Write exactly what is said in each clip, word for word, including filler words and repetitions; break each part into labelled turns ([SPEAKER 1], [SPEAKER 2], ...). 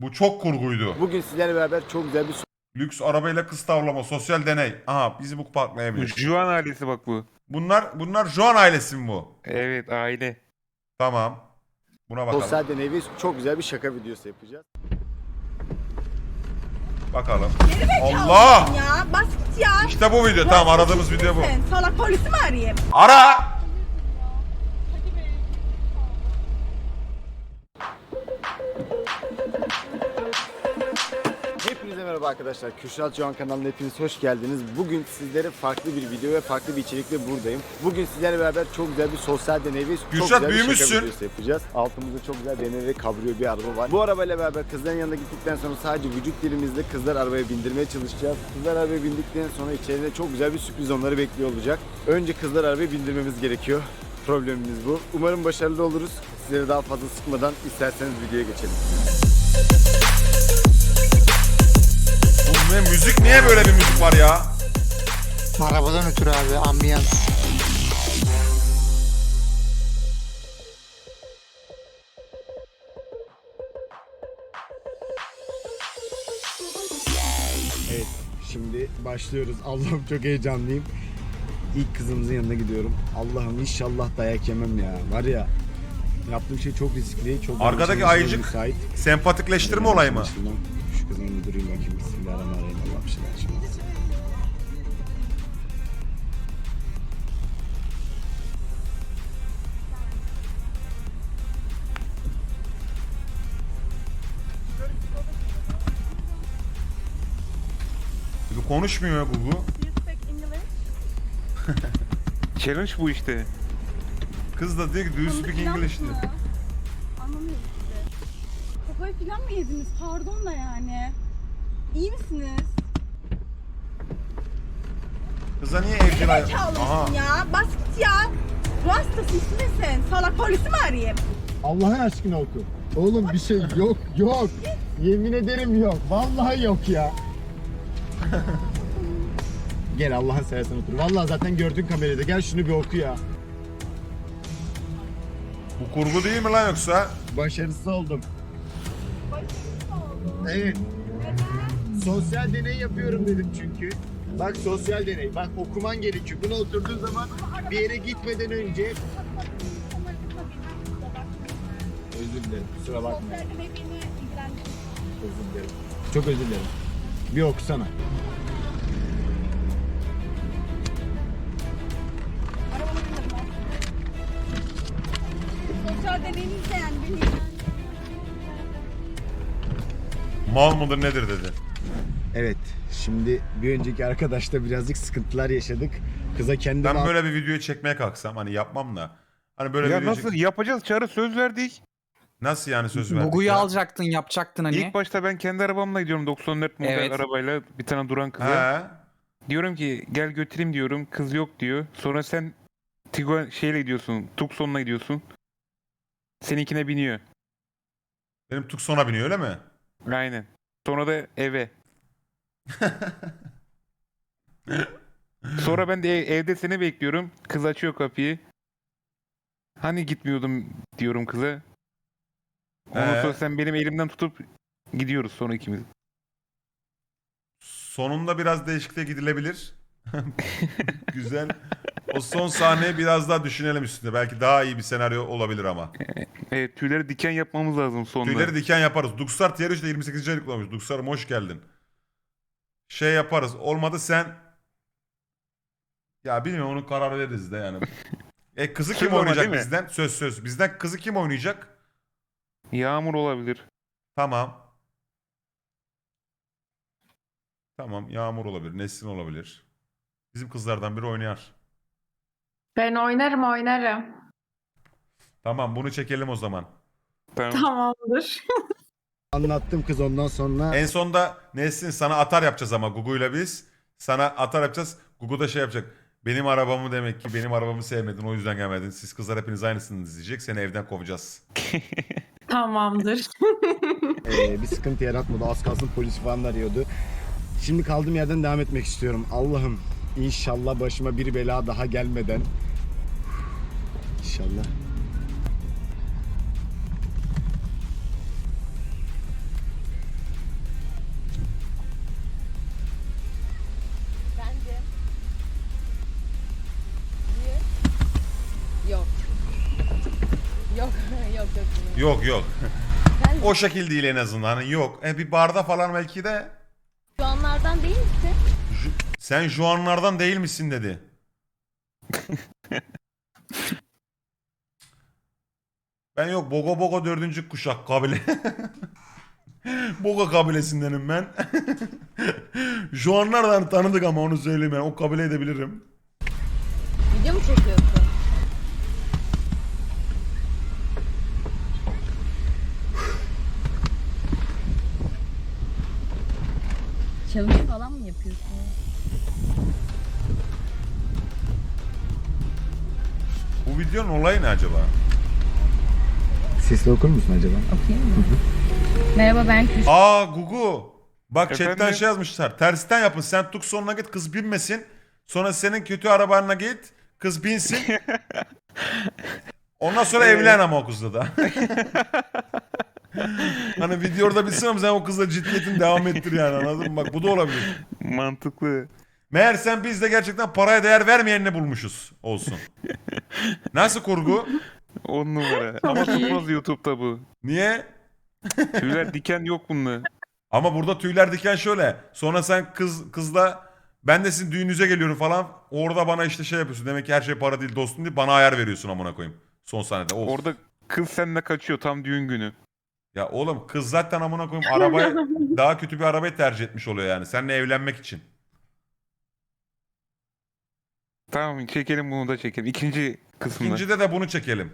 [SPEAKER 1] Bu çok kurguydu.
[SPEAKER 2] Bugün sizlerle beraber çok güzel bir
[SPEAKER 1] Lüks arabayla kız tavlama, sosyal deney. Aha bizi bu parklayabilir.
[SPEAKER 3] Juan ailesi bak bu.
[SPEAKER 1] Bunlar bunlar Joan ailesi mi bu?
[SPEAKER 3] Evet, aile.
[SPEAKER 1] Tamam. Buna bakalım.
[SPEAKER 2] sosyal deney ve çok güzel bir şaka videosu yapacağız.
[SPEAKER 1] Bakalım.
[SPEAKER 4] Gerizekalı
[SPEAKER 1] Allah!
[SPEAKER 4] mısın ya? Bas git ya.
[SPEAKER 1] İşte bu video. Tamam, aradığımız video bu.
[SPEAKER 4] Sen salak polisi mi arayayım?
[SPEAKER 1] Ara!
[SPEAKER 2] Hepinize merhaba arkadaşlar. Kürşat Can kanalına hepiniz hoş geldiniz. Bugün sizlere farklı bir video ve farklı bir içerikle buradayım. Bugün sizlerle beraber çok güzel bir sosyal deney ve çok
[SPEAKER 1] Kürşat,
[SPEAKER 2] güzel bir
[SPEAKER 1] büyümüşsün.
[SPEAKER 2] şaka videosu yapacağız. Altımızda çok güzel B M W kabriyo bir araba var. Bu arabayla beraber kızların yanına gittikten sonra sadece vücut dilimizle kızlar arabaya bindirmeye çalışacağız. Kızlar arabaya bindikten sonra içeride çok güzel bir sürpriz onları bekliyor olacak. Önce kızlar arabaya bindirmemiz gerekiyor. Problemimiz bu. Umarım başarılı oluruz. Sizleri daha fazla sıkmadan isterseniz videoya geçelim.
[SPEAKER 1] Bu ne müzik? Niye böyle bir müzik var ya?
[SPEAKER 5] Arabadan ötürü abi, ambiyans.
[SPEAKER 2] Evet, şimdi başlıyoruz. Allah'ım çok heyecanlıyım. İlk kızımızın yanına gidiyorum. Allah'ım inşallah dayak yemem ya. Var ya, yaptığım şey çok riskli. Çok
[SPEAKER 1] Arkadaki
[SPEAKER 2] çalışmaya
[SPEAKER 1] ayıcık
[SPEAKER 2] müsait.
[SPEAKER 1] sempatikleştirme olayı mı?
[SPEAKER 2] Şu kızın bir durayım bakayım. Bismillahirrahmanirrahim. Allah bir şeyler açmasın.
[SPEAKER 1] Bu konuşmuyor Gugu.
[SPEAKER 4] You speak English?
[SPEAKER 3] Challenge bu işte.
[SPEAKER 1] Kız da diyor ki do you speak English diyor.
[SPEAKER 4] Anlamıyorum işte. Kafayı falan mı yediniz? Pardon da yani. İyi misiniz?
[SPEAKER 1] Kıza niye evcil hayvan?
[SPEAKER 4] Gerizekalı
[SPEAKER 1] Aha.
[SPEAKER 4] mısın ya? Bas git ya. Ruh hastası misin? Salak polisi mi arayayım?
[SPEAKER 2] Allah'ın aşkına oku. Oğlum bir şey yok, yok. Yemin ederim yok. Vallahi yok ya. Gel Allah'ın seversen otur. Vallahi zaten gördün kamerada. Gel şunu bir oku ya.
[SPEAKER 1] Bu kurgu değil mi lan yoksa?
[SPEAKER 2] Başarısız oldum. Evet. Sosyal deney yapıyorum dedim çünkü. Bak sosyal deney. Bak okuman gerekiyor. Buna oturduğun zaman bir yere gitmeden önce... Özür dilerim. Kusura bakma.
[SPEAKER 4] Sosyal deney beni ilgilendirir.
[SPEAKER 2] Özür dilerim. Çok özür dilerim. Bir okusana.
[SPEAKER 4] Arabama bindim ben. Sosyal deneyiniz de yani beni ilgilendirir.
[SPEAKER 1] Mal mıdır nedir dedi.
[SPEAKER 2] Evet. Şimdi bir önceki arkadaşla birazcık sıkıntılar yaşadık. Kıza kendi
[SPEAKER 1] Ben böyle bir videoyu çekmeye kalksam hani yapmam da. Hani böyle
[SPEAKER 3] Ya
[SPEAKER 1] bir
[SPEAKER 3] nasıl yapacağız? Çağrı söz verdik.
[SPEAKER 1] Nasıl yani söz verdik
[SPEAKER 6] Gugu'yu
[SPEAKER 1] ya?
[SPEAKER 6] alacaktın, yapacaktın hani.
[SPEAKER 3] İlk başta ben kendi arabamla gidiyorum, doksan dört model
[SPEAKER 6] Evet.
[SPEAKER 3] arabayla bir tane duran kıza.
[SPEAKER 1] He.
[SPEAKER 3] Diyorum ki gel götüreyim diyorum. Kız yok diyor. Sonra sen Tiguan şeyle gidiyorsun. Tucson'la gidiyorsun. Seninkine biniyor.
[SPEAKER 1] Benim Tucson'a biniyor öyle mi?
[SPEAKER 3] Aynen. Sonra da eve. Sonra ben de ev- evde seni bekliyorum. Kız açıyor kapıyı. Hani gitmiyordum diyorum kıza. Ondan
[SPEAKER 1] Ee?
[SPEAKER 3] sonra sen benim elimden tutup gidiyoruz sonra ikimiz.
[SPEAKER 1] Sonunda biraz değişikliğe gidilebilir. Güzel. O son sahneyi biraz daha düşünelim üstünde. Belki daha iyi bir senaryo olabilir ama.
[SPEAKER 3] Evet, tüyleri diken yapmamız lazım sonunda.
[SPEAKER 1] Tüyleri diken yaparız. Duksar Tier üçte yirmi sekizinci aylık olmuş. Duksar'ım hoş geldin. Şey yaparız. Olmadı sen... Ya bilmiyorum, onun kararı veririz de yani. E kızı kim
[SPEAKER 3] Söz ama
[SPEAKER 1] oynayacak
[SPEAKER 3] değil mi?
[SPEAKER 1] bizden? Söz söz. Bizden kızı kim oynayacak?
[SPEAKER 3] Yağmur olabilir.
[SPEAKER 1] Tamam. Tamam, Yağmur olabilir. Nesrin olabilir. Bizim kızlardan biri oynar.
[SPEAKER 7] Ben oynarım oynarım.
[SPEAKER 1] Tamam, bunu çekelim o zaman.
[SPEAKER 3] Tamam.
[SPEAKER 7] Tamamdır.
[SPEAKER 2] Anlattım kız ondan sonra.
[SPEAKER 1] En sonda Nesrin sana atar yapacağız ama Gugu'yla biz. Sana atar yapacağız. Gugu da şey yapacak. Benim arabamı demek ki benim arabamı sevmedin, o yüzden gelmedin. Siz kızlar hepiniz aynısınız diyecek. Seni evden kovacağız.
[SPEAKER 7] Tamamdır.
[SPEAKER 2] Ee, bir sıkıntı yaratmadı. Az kalsın polis falan da arıyordu. Şimdi kaldığım yerden devam etmek istiyorum. Allah'ım inşallah başıma bir bela daha gelmeden. İnşallah.
[SPEAKER 1] Yok yok. O şekil değil en azından. Hani yok. E, bir barda falan belki de.
[SPEAKER 4] Şu anlardan değil misin?
[SPEAKER 1] Ju- Sen Juanlardan değil misin dedi. Ben yok Bogo Bogo dördüncü kuşak kabile. Bogo kabilesindenim ben. Juanlardan tanıdık ama onu söyleyeyim yani. O kabile edebilirim.
[SPEAKER 4] Video mu çekiyorsun? Challenge falan mı yapıyorsun?
[SPEAKER 1] Bu videonun olayı ne acaba?
[SPEAKER 2] Sesli okur musun acaba?
[SPEAKER 4] Okuyayım mı? Merhaba ben Kürşat.
[SPEAKER 1] Aa Gugu. Bak chatten
[SPEAKER 3] Efendim?
[SPEAKER 1] şey yazmışlar. Tersten yapın. Sen tuk sonuna git kız binmesin. Sonra senin kötü arabanla git. Kız binsin. Ondan sonra evlen ama o kızla da. Hani video orada bitsin ama sen o kızla ciddiyetini devam ettir yani, anladın mı? Bak bu da olabilir.
[SPEAKER 3] Mantıklı.
[SPEAKER 1] Meğer sen biz de gerçekten paraya değer vermeyenini bulmuşuz olsun. Nasıl kurgu?
[SPEAKER 3] On numara. Ama tutmaz YouTube'da bu.
[SPEAKER 1] Niye?
[SPEAKER 3] Tüyler diken yok bunda.
[SPEAKER 1] Ama burada tüyler diken şöyle. Sonra sen kız kızla ben de sizin düğününüze geliyorum falan. Orada bana işte şey yapıyorsun. Demek ki her şey para değil dostum diye bana ayar veriyorsun amına koyayım. Son sahnede. Of.
[SPEAKER 3] Orada kız seninle kaçıyor tam düğün günü.
[SPEAKER 1] Ya oğlum kız zaten amına koyayım arabaya daha kötü bir arabayı tercih etmiş oluyor yani. Seninle evlenmek için.
[SPEAKER 3] Tamam çekelim bunu da çekelim. İkinci kısımda.
[SPEAKER 1] İkincide de bunu çekelim.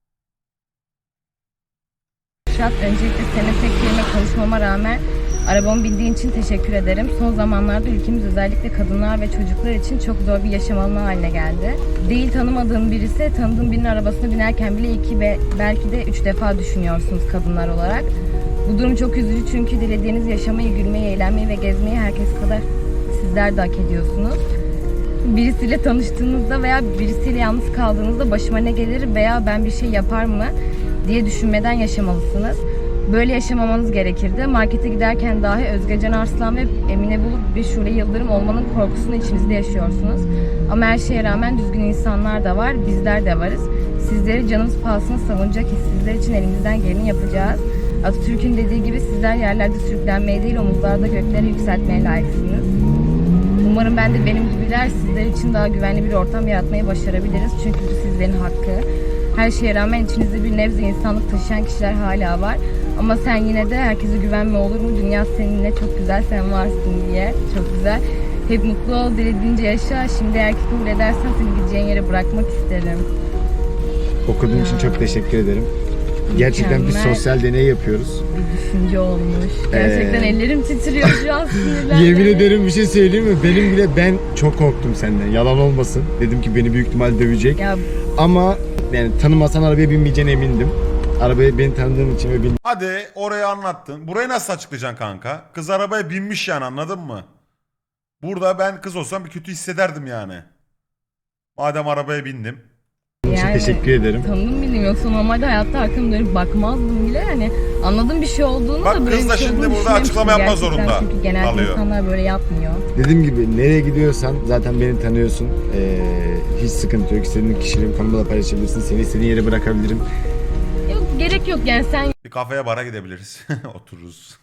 [SPEAKER 4] Kürşat, öncelikle seninle tek kelime konuşmama rağmen arabamı bindiğin için teşekkür ederim. Son zamanlarda ülkemiz özellikle kadınlar ve çocuklar için çok zor bir yaşam alanı haline geldi. Değil tanımadığın birisi, tanıdığın birinin arabasına binerken bile iki ve belki de üç defa düşünüyorsunuz kadınlar olarak. Bu durum çok üzücü çünkü dilediğiniz yaşamayı, gülmeyi, eğlenmeyi ve gezmeyi herkes kadar sizler de hak ediyorsunuz. Birisiyle tanıştığınızda veya birisiyle yalnız kaldığınızda başıma ne gelir veya ben bir şey yapar mı diye düşünmeden yaşamalısınız. Böyle yaşamamanız gerekirdi. Markete giderken dahi Özgecan Arslan ve Emine Bulut bir Şule Yıldırım olmanın korkusunu içinizde yaşıyorsunuz. Ama her şeye rağmen düzgün insanlar da var, bizler de varız. Sizleri canımız pahasına savunacak sizler için elimizden geleni yapacağız. Atatürk'ün dediği gibi sizler yerlerde sürüklenmeye değil omuzlarda göklere yükseltmeye layıksınız. Umarım ben de benim gibiler sizler için daha güvenli bir ortam yaratmayı başarabiliriz. Çünkü bu sizlerin hakkı. Her şeye rağmen içinizde bir nebze insanlık taşıyan kişiler hala var. Ama sen yine de herkese güvenme olur mu? Dünya seninle çok güzel, sen varsın diye. Çok güzel. Hep mutlu ol, dilediğince yaşa. Şimdi eğer ki kabul edersen seni gideceğin yere bırakmak isterim.
[SPEAKER 2] Okuduğun için çok teşekkür ederim. Gerçekten bir
[SPEAKER 4] Mükemmel.
[SPEAKER 2] sosyal deney yapıyoruz.
[SPEAKER 4] Bir düşünce olmuş. Gerçekten
[SPEAKER 2] Ee,
[SPEAKER 4] ellerim titriyor şu an sinirden.
[SPEAKER 2] Yemin ederim bir şey söyleyeyim mi? Benim bile ben çok korktum senden. Yalan olmasın. Dedim ki beni büyük ihtimal dövecek.
[SPEAKER 4] Ya
[SPEAKER 2] Ama yani tanımasan arabaya binmeyeceğine emindim. Arabaya beni tanıdığın için ve bin
[SPEAKER 1] Hadi orayı anlattın. Burayı nasıl açıklayacaksın kanka? Kız arabaya binmiş yani, anladın mı? Burada ben kız olsam bir kötü hissederdim yani. Madem arabaya bindim.
[SPEAKER 2] Onun için
[SPEAKER 4] Yani-
[SPEAKER 2] teşekkür ederim.
[SPEAKER 4] tanıdım bildim, yoksa normalde hayatta arkamı dönüp bakmazdım bile. Yani anladım bir şey olduğunu
[SPEAKER 1] Bak
[SPEAKER 4] da böyle
[SPEAKER 1] kız
[SPEAKER 4] bir
[SPEAKER 1] da
[SPEAKER 4] şey
[SPEAKER 1] şimdi
[SPEAKER 4] olduğunu
[SPEAKER 1] burada açıklama
[SPEAKER 4] düşünmemiştim
[SPEAKER 1] yapmak
[SPEAKER 4] gerçekten.
[SPEAKER 1] zorunda
[SPEAKER 4] Çünkü genelde
[SPEAKER 1] kalıyor.
[SPEAKER 4] insanlar böyle yapmıyor.
[SPEAKER 2] Dediğim gibi nereye gidiyorsan zaten beni tanıyorsun. Ee, hiç sıkıntı yok. İstediğin kişiyle konuda da paylaşabilirsin. Seni istediğin yere bırakabilirim.
[SPEAKER 4] Yok, gerek yok yani, sen
[SPEAKER 1] Bir kafeye bara gidebiliriz. Otururuz.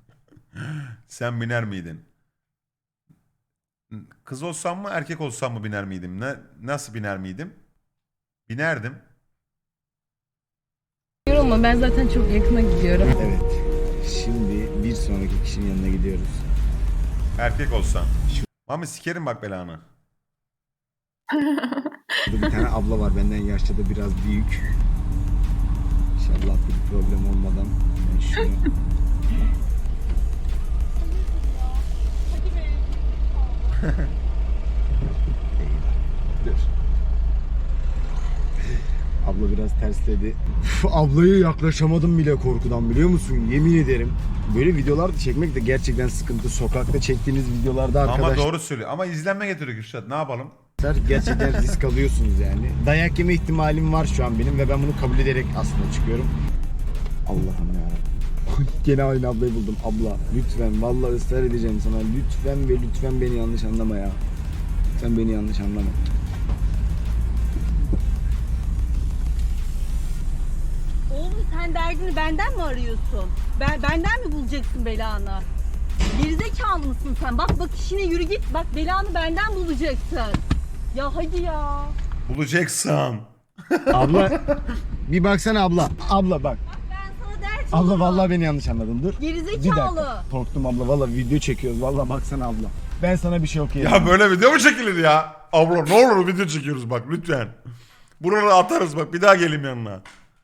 [SPEAKER 1] Sen biner miydin? Kız olsam mı erkek olsam mı biner miydim? Ne, nasıl biner miydim? Binerdim.
[SPEAKER 4] diyorum ama ben zaten çok yakına gidiyorum.
[SPEAKER 2] Evet. Şimdi bir sonraki kişinin yanına gidiyoruz.
[SPEAKER 1] Erkek olsam. Mami sikerim bak belanı.
[SPEAKER 2] Burada bir tane abla var benden yaşça da biraz büyük. İnşallah bir problem olmadan ben şunu... Dur. Abla biraz tersledi. Uf, ablayı yaklaşamadım bile korkudan, biliyor musun? Yemin ederim. Böyle videolar çekmek de gerçekten sıkıntı. Sokakta çektiğiniz videolarda
[SPEAKER 1] Ama
[SPEAKER 2] arkadaşlar
[SPEAKER 1] doğru söylüyor. Ama izlenme getiriyor Kürşat. Ne yapalım?
[SPEAKER 2] gerçekten risk alıyorsunuz yani. Dayak yeme ihtimalim var şu an benim ve ben bunu kabul ederek aslında çıkıyorum. Allah'ım ya. Gene aynı ablayı buldum. Abla lütfen, vallahi ısrar edeceğim sana. Lütfen ve lütfen beni yanlış anlama ya. Sen beni yanlış anlama.
[SPEAKER 4] Oğlum sen
[SPEAKER 6] sen derdini benden mi arıyorsun? Ben benden mi bulacaksın belanı? Gerizekalı mısın sen? Bak bak işine yürü git. Bak belanı benden bulacaksın. Ya hadi ya.
[SPEAKER 1] Bulacaksın.
[SPEAKER 2] Abla bir baksana abla. Abla bak.
[SPEAKER 6] Ben sana dert
[SPEAKER 2] Abla
[SPEAKER 6] olurum.
[SPEAKER 2] vallahi beni yanlış anladın. Dur. Bir
[SPEAKER 6] Gerizekalı.
[SPEAKER 2] dakika. Korktum abla. Vallahi video çekiyoruz. Vallahi baksana abla. Ben sana bir şey okuyayım.
[SPEAKER 1] Ya böyle video mu çekilir ya? Abla ne olur video çekiyoruz bak lütfen. Buraları atarız bak bir daha geleyim yanına.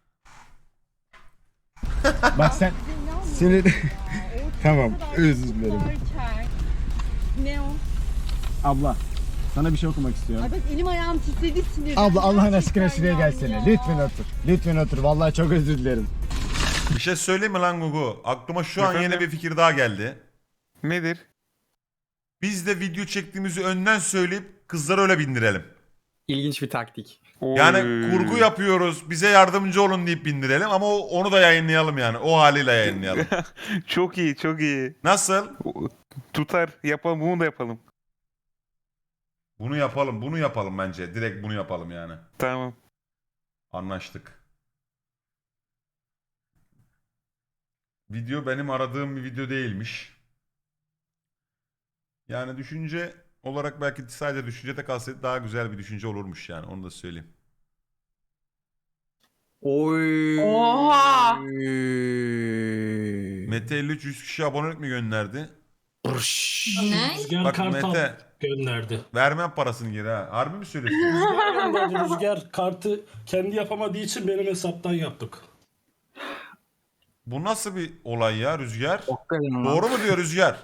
[SPEAKER 2] Bak sen seni tamam özür dilerim.
[SPEAKER 6] Barçer. Ne o?
[SPEAKER 2] Abla sana bir şey okumak istiyorum.
[SPEAKER 6] Ay bak elim ayağım titredi sinirden.
[SPEAKER 2] Abla Allah'ın
[SPEAKER 6] Gerçekten
[SPEAKER 2] aşkına şuraya
[SPEAKER 6] yani
[SPEAKER 2] gelsene.
[SPEAKER 6] ya.
[SPEAKER 2] Lütfen otur. Lütfen otur. Vallahi çok özür dilerim.
[SPEAKER 1] Bir şey söyleyeyim mi lan Gugu? Aklıma şu an yeni
[SPEAKER 3] Efendim?
[SPEAKER 1] bir fikir daha geldi.
[SPEAKER 3] Nedir?
[SPEAKER 1] Biz de video çektiğimizi önden söyleyip kızları öyle bindirelim.
[SPEAKER 8] İlginç bir taktik.
[SPEAKER 1] Yani
[SPEAKER 3] Oy.
[SPEAKER 1] kurgu yapıyoruz bize yardımcı olun deyip bindirelim ama o- onu da yayınlayalım yani. O haliyle yayınlayalım.
[SPEAKER 3] Çok iyi, çok iyi.
[SPEAKER 1] Nasıl?
[SPEAKER 3] Tutar. Yapalım, bunu da yapalım.
[SPEAKER 1] Bunu yapalım bunu yapalım bence. Direkt bunu yapalım yani.
[SPEAKER 3] Tamam.
[SPEAKER 1] Anlaştık. Video benim aradığım bir video değilmiş. Yani düşünce olarak belki sadece düşüncede kalsaydı daha güzel bir düşünce olurmuş yani onu da söyleyeyim.
[SPEAKER 8] Oy.
[SPEAKER 7] Oha!
[SPEAKER 1] Mete elli üç yüz kişi abonelik mi gönderdi?
[SPEAKER 9] Ne?
[SPEAKER 10] Rüzgar
[SPEAKER 1] Bak
[SPEAKER 10] Kartal
[SPEAKER 1] Mete
[SPEAKER 10] gönderdi.
[SPEAKER 1] vermem parasını geri ha. Harbi mi söylüyorsun?
[SPEAKER 10] Rüzgar gönderdi. Rüzgar kartı kendi yapamadığı için benim hesaptan yaptık.
[SPEAKER 1] Bu nasıl bir olay ya Rüzgar?
[SPEAKER 8] Hakikaten lan.
[SPEAKER 1] Doğru mu diyor Rüzgar?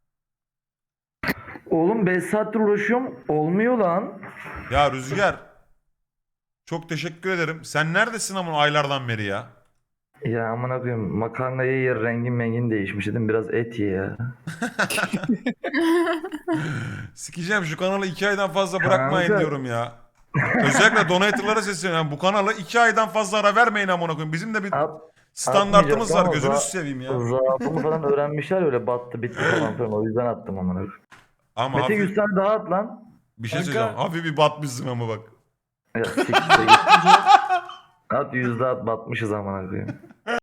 [SPEAKER 11] Oğlum beş saattir uğraşıyorum. Olmuyor lan.
[SPEAKER 1] Ya Rüzgar. Çok teşekkür ederim. Sen neredesin ama aylardan beri ya?
[SPEAKER 11] Ya aman koyayım makarnayı yer rengin mengin değişmiş dedim biraz et ye ya.
[SPEAKER 1] Sikeceğim şu kanalı iki aydan fazla bırakmayın
[SPEAKER 11] Kanka.
[SPEAKER 1] diyorum ya. Özellikle donatorlara sesleniyorum. Bu kanala iki aydan fazla ara vermeyin amına koyayım. Bizim de bir
[SPEAKER 11] At,
[SPEAKER 1] standartımız var.
[SPEAKER 11] atmayacaktım ama
[SPEAKER 1] Gözünüzü
[SPEAKER 11] za-
[SPEAKER 1] seveyim ya.
[SPEAKER 11] Zaafımı falan öğrenmişler öyle battı bitti falan filan o yüzden attım amına.
[SPEAKER 1] Ama
[SPEAKER 11] Mete
[SPEAKER 1] hafif,
[SPEAKER 11] yüz tane daha at lan.
[SPEAKER 1] bir şey
[SPEAKER 10] Kanka.
[SPEAKER 1] söyleyeceğim. Hafif bir batmışsın ama bak.
[SPEAKER 11] Ya siktir git. At yüzde at batmışız amına koyayım.